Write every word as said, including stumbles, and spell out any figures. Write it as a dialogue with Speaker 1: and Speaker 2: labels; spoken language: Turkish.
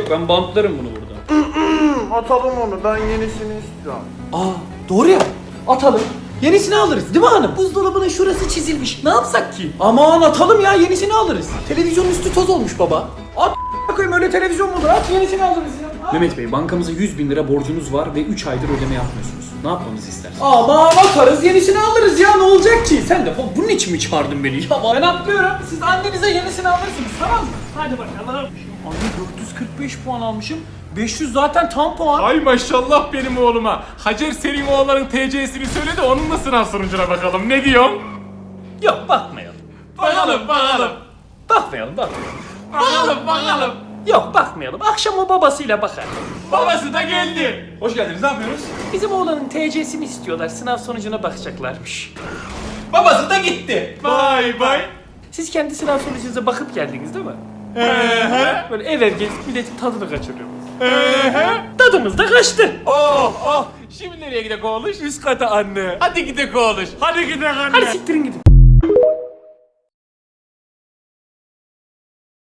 Speaker 1: ben bantlarım bunu burada.
Speaker 2: Atalım onu, ben yenisini istiyorum.
Speaker 3: Aa doğru ya. Atalım. Yenisini alırız değil mi hanım? Buzdolabının şurası çizilmiş. Ne yapsak ki? Aman atalım ya, yenisini alırız. Televizyonun üstü toz olmuş baba. At koyayım, öyle televizyon mu olur? At yenisini alırız ya.
Speaker 1: Mehmet Bey, bankamıza yüz bin lira borcunuz var ve üç aydır ödeme yapmıyorsunuz. Ne yapmamızı istersiniz?
Speaker 3: Aman atarız, yenisini alırız ya, ne olacak ki? Sen de bunun için mi çağırdın beni? Ya ben atlıyorum. Siz annenize yenisini alırsınız, tamam mı? Hadi bakalım. Anne dört yüz kırk beş puan almışım. beş yüz zaten tam puan.
Speaker 4: Ay maşallah benim oğluma. Hacer senin oğlanın T C'sini söyle de onunla sınav sonucuna bakalım. Ne diyorsun?
Speaker 3: Yok bakmayalım.
Speaker 4: Bakalım bakalım.
Speaker 3: Bakmayalım bakmayalım.
Speaker 4: Bakalım bakalım.
Speaker 3: Yok bakmayalım. Akşam o babasıyla bakar.
Speaker 4: Babası da geldi.
Speaker 5: Hoş geldiniz, ne yapıyorsunuz?
Speaker 3: Bizim oğlanın T C'sini istiyorlar. Sınav sonucuna bakacaklarmış.
Speaker 5: Babası da gitti.
Speaker 4: Vay vay.
Speaker 3: Siz kendi sınav sonucunuza bakıp geldiniz değil mi?
Speaker 4: Ehe.
Speaker 3: Böyle ev ev gezip milletin tadını kaçırıyoruz. Tadımız da kaçtı.
Speaker 4: Oh oh. Şimdi nereye gidek oğluş? Üst kata anne. Hadi gidek oğluş. Hadi gidek anne.
Speaker 3: Hadi siktirin gidin.